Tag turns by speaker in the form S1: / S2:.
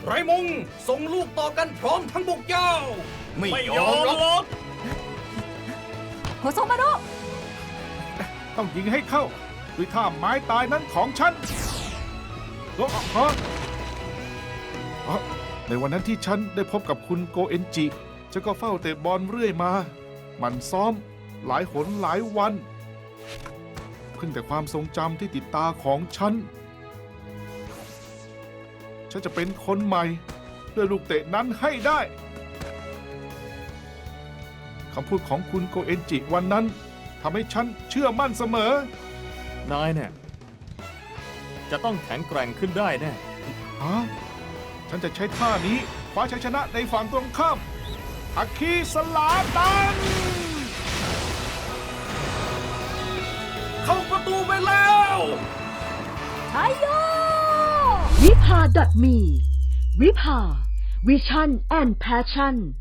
S1: ไรมงส่งลูกต่อกันพร้อมทั้งบุกยาวไม่ยอมหรอก
S2: โฮโซมารุ
S3: ต้องยิงให้เข้าด้วยท่าไม้ตายนั้นของฉันในวันนั้นที่ฉันได้พบกับคุณโกเอนจิฉันก็เฝ้าเตะบอลเรื่อยมาหมั่นซ้อมหลายหนหลายวันเพิ่งแต่ความทรงจำที่ติดตาของฉันจะเป็นคนใหม่ด้วยลูกเตะนั้นให้ได้คำพูดของคุณโกเอนจิวันนั้นทำให้ฉันเชื่อมั่นเสมอ
S4: นายเนี่ยจะต้องแข็งแกร่งขึ้นได้แน่
S3: ฮะฉันจะใช้ท่านี้คว้าชัยชนะในฝั่งตรงข้ามอาคีสลาตัน
S1: เข้าประตูไปแล้ว
S2: ชัยโย
S5: วิภา .me วิภา Vision and Passion